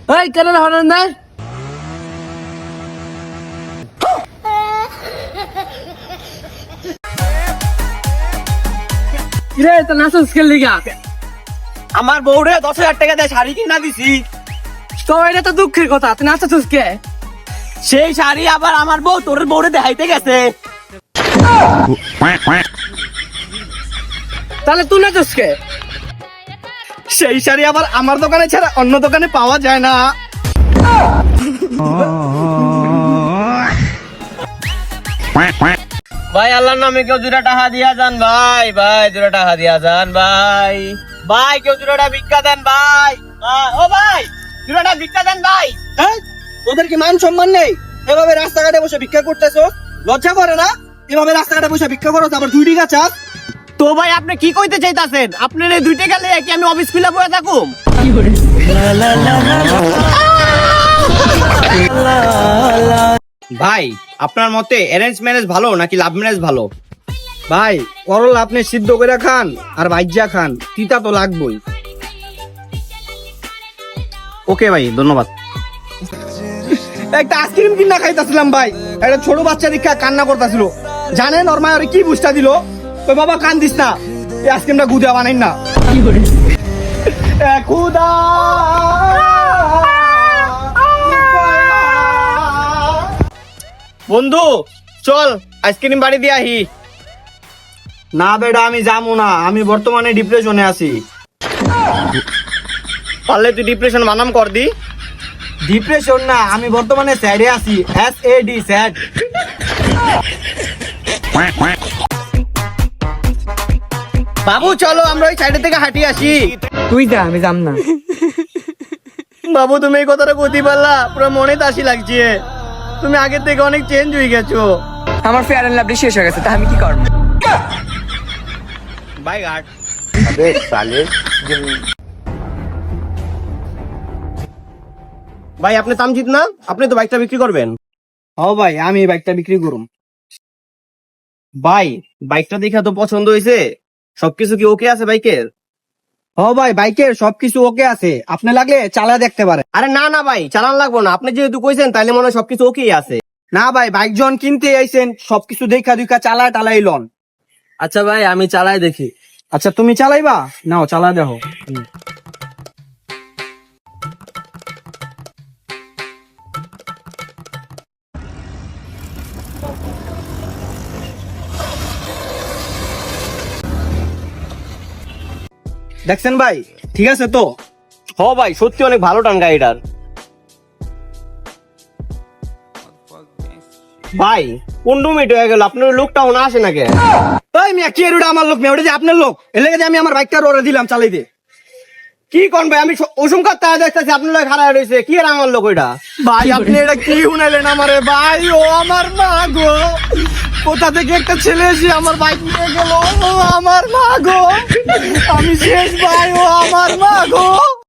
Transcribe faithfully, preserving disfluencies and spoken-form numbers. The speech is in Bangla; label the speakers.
Speaker 1: এই কেন হরেন দেয় রে তো নাচস খেললি গা
Speaker 2: আমার বউরে দশ হাজার টাকা দিয়ে শাড়ি কিনা দিছি।
Speaker 1: তো এটা তো দুঃখের কথা, তুই নাচছিস কে?
Speaker 2: সেই শাড়ি আবার আমার বউ তোর বউরে দেখাইতে গেছে।
Speaker 1: তাহলে তুই নাচছিস কে?
Speaker 2: সেই শাড়ি আবার আমার দোকানে ছাড়া অন্য দোকানে পাওয়া যায় না। ভাই আল্লাহর নামে কেউ দুটা টাকা দিয়া যান ভাই, ভাই দুটা টাকা দিয়া যান ভাই, ভাই কেউ দুটা ভিক্ষা দেন ভাই, আহ, ও ভাই দুটা ভিক্ষা দেন ভাই। হ্যাঁ তোদের কি মান সম্মান নেই? এভাবে রাস্তাঘাটে বসে ভিক্ষা করতেছো, লজ্জা করে না? এভাবে রাস্তাঘাটে বসে ভিক্ষা করো আবার দুই টাকা চাস? তো ভাই আপনি কি কইতে চাইতাছেন? আপনার এই দুই টাকা লিয়ে কি আমি অফিস খুলে বসে থাকুম? ভাই আপনার মতে অ্যারেঞ্জ ম্যারেজ ভালো নাকি লাভ ম্যারেজ ভালো? ভাই করল আপনি সিদ্ধ করে খান আর ভাইজা খান, তিতা তো লাগবেই। ওকে ভাই ধন্যবাদ। একটা আইসক্রিম কিনা খাইতাছিলাম ভাই, একটা ছোট বাচ্চা দীক্ষা কান্না করতেছিল, জানেন ওর মা ওরে কি বুঝটা দিল? ওই বাবা কান দিস না, এই আইসক্রিমটা গুদা বানাই না। এ খুদা বন্ধু চল আইসক্রিম বাড়ি দিয়ে আহি। না বেটা আমি যাবো না, আমি বর্তমানে ডিপ্রেশনে আছি। পারলে তুই ডিপ্রেশন বানাম কর দি। ডিপ্রেশন না, আমি বর্তমানে স্যাডে আছি, এস এ ডি স্যাড। বাবু চলো আমরা ওই সাইডে থেকে হাঁটি আসি।
Speaker 1: তুই যা, আমি যাম না।
Speaker 2: বাবু তুমি এই কথাটা কইতে পারলা, পুরো মনে তাসি লাগছে। তুমি আগের থেকে অনেক চেঞ্জ হয়ে গেছো।
Speaker 1: আমার ফেয়ার এন্ড লাভলি শেষ হয়ে গেছে, তা আমি কি করব?
Speaker 2: বাই গার্ড। আবে সালে ভাই আপনি তামজিৎ না? আপনি তো বাইকটা বিক্রি করবেন। ও ভাই আমি এই বাইকটা বিক্রি করুম। ভাই বাইকটা দেখে তো পছন্দ হয়েছে, সবকিছু কি ওকে আছে বাইকের? ও ভাই বাইকের সবকিছু ওকে আছে, আপনি লাগলে চালা দেখতে পারেন। আরে না না ভাই চালান লাগবো না, আপনি যেহেতু কইছেন তাইলে মনে হয় সবকিছু ওকেই আছে। না ভাই বাইক যখন কিনতে আইছেন সবকিছু দেখা দুইকা চালা টালাই লন।
Speaker 1: আচ্ছা ভাই আমি চালাই দেখি।
Speaker 2: আচ্ছা তুমি চালাইবা? নাও চালা দেখো। দেখছেন ভাই ঠিক আছে তো? হ ভাই সত্যি অনেক ভালো টান গাড়িটার। ভাই পনেরো মিনিট হয়ে গেল, আপনার লোকটাও না আসে নাকি? তাই মিয়া কি এরুটা আমার লোক, ওটা যে আপনার লোক, এর লেগে যে আমি আমার বাইকটা ওরে দিলাম চালাইতে। কি কোন ভাই আমি অসংখ্য তারা দেখতেছি আপনার লোক খারাপ রয়েছে, কি আর আমার লোক ওইটা? ভাই আপনি এটা কি শুনাইলেন আমারে? ভাই ও আমার মা গো, কোথা থেকে একটা ছেলে এসে আমার বাইক নিয়ে গেল, ও আমার মা গো, আমি শেষ ভাই, ও আমার মা গো।